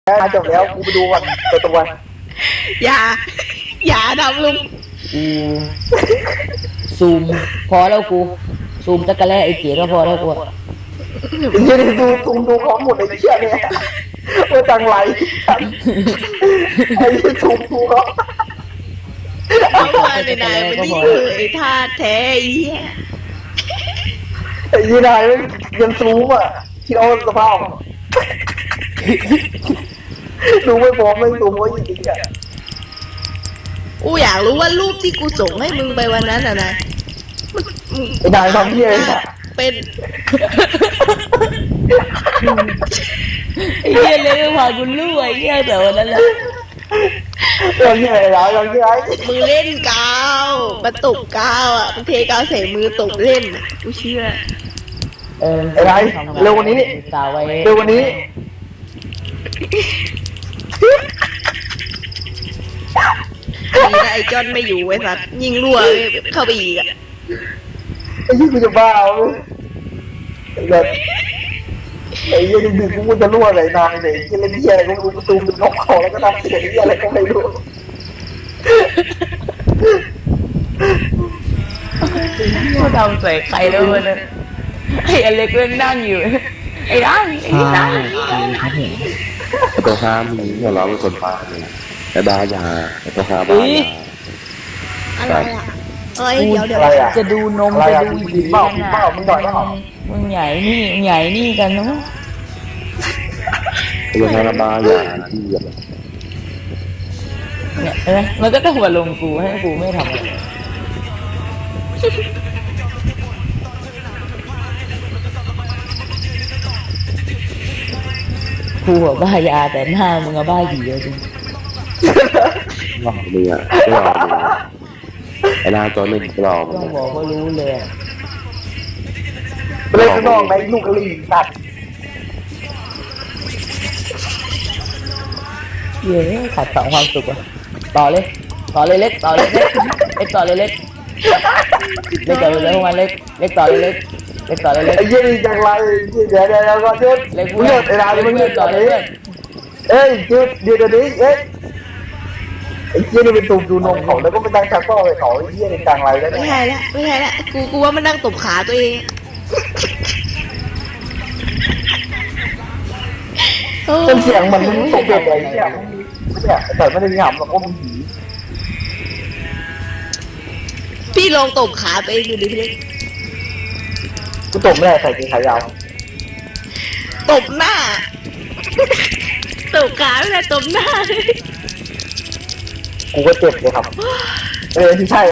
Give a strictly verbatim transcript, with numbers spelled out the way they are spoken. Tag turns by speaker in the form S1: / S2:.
S1: มาจบแล้วกูไปดูก่อนตัวตัว
S2: อย่า อย่าทำลุง
S3: กูซูมพอแล้วกูซูมตะกะแลไอ้เก๋ก็พอแล้วกู
S1: ยืนดูซูมดูของหมดไอ้เชี่ยเนี่ยโอ้จังไรไอ้ซูมดูเขา
S2: เอามาในนายมันนี่คือไอ้ท่าแท้ไอ้เหี้ย
S1: ไอ้ยีนายยังซูมอ่ะที่เอาสภาพดูไม่พอไม่ซูมไว้จริงๆอ่ะ
S2: กูอยากรู้ว่ารูปที่กูส่งให้มึงไปวันนั้นอะนาย
S1: ไอ้นายทำเหี้ยอะไรอ่ะ
S2: เป็น
S3: ไอ้เหี้ยเลยพากูรู้ไอ้เหี้ยแต่วันนั้นแหละ
S1: เราเหี้ยอะไรเราเราเหี้ยอะไร
S2: มือเล่นกาวมาตบกาวอ่ะมึงเทกาวใส่มือตบเล่นอ่ะกูเชื่อ
S3: เออ
S1: ไอ้นายเร็วกวันนี้
S3: กาวไว้
S1: เร็วกวันนี้
S2: ดีนะไอ้จอนไม่อยู่ไอ้สัตว์ยิงรั่วเข้าไปอีกอ่ะ
S1: ไอ้ยี่กูจะบ้าเลยไอ้แบบไอ้ยี่ดึกๆกูจะรั่วไหนนายเนี่ยไอ้เล่นเหี้ยอะไรกูประตูมันล็อกคอแล้วก็ทำเสียงเหี้ยอะไรก็ไม่รู้
S3: กูทำใส่ใครแล้ววันนั้นไอ้อเล็กเล่นนั่งอยู่ไอ้นั่งไอ้นั่ง
S4: ตัวห้ามมึงเนี่ยเราเป็นคนพาเลยไอ้บ้ายาไอ้ตัวห้าบ้ายา
S2: อะไรอ่ะเอ้ย
S3: กู
S2: เดี๋ยวเดี๋ยว
S1: อะไรอ่ะ
S3: จะดูนม
S1: อะไร
S3: จะ
S1: อ่ะ
S3: ดู
S1: ผีเปล่าผีเปล่ามึงหน่อยนะ
S3: มึงใหญ่นี่ใหญ่นี่กันนะ
S4: ตัวห้าบ้ายาที่แบบ
S3: เนี่ยเห็นไหมมันก็ต้องมาลงกูให้กูไม่ทำอะไรกูอะบ้ายาแต่หน้ามึงอะบ้าหีเลยจริง
S4: หลอกเลยอ่ะหลอกเลยไอ้หน้าตัวหนึ่งหลอกมัน
S3: ต้องบอกว่ารู้เลยอะ
S1: ไปเล่นข้างนอกในลูกกระลิ่งสัตว์
S3: เย้ขัดสองความสุขอะต่อเลยต่อเลยเล็กต่อเลยเล็กเล็กต่อเลยเล็กเล็กต่อเลยเล็กมาเล็กเล็กต่อเลยเล็กเล็กต่อเลยเล็ก
S1: ไอ้ยี่นี่จังไรเดี๋ยวเดี๋ยวเดี๋ยวก่อนเดี๋ยว
S3: เล็ก
S1: เลือดไอ้นายมันเลือด
S3: ต่
S1: ก่
S3: อ
S1: อน
S3: เล
S1: เลย ย
S3: เพื่อน
S1: เอ้ยเดี๋ยวเดี๋ยวเดี๋ยวนี้เอ้ยไอ้ยี่นี่เป็นตูมดูนมเขาแล้วก็ไปตั้งชักก็ไปเขาไอ้ยี่นี่จังไรแล้ว
S2: ไม่
S1: เนี่ย
S2: ใช่ละไม่ใช่ละกูกูว่ามันนั่งตบขาตัวเองโอ้
S1: เป็นเสียงเหมือนมึงตกเบ็ดไอ้เนี่ยเนี่ยแต่ไม่ได้มีหำหรอกว่ามึงผี
S2: พี่ลองตบขาตัวเองดูดิพี่เล็ก
S1: กูตกไม่ได้ใส่กีขายาว
S2: ตบหน้า ตบขาไม่ได้ตบหน้า
S1: กูก็เจ็บเลยครับเออที่ใช่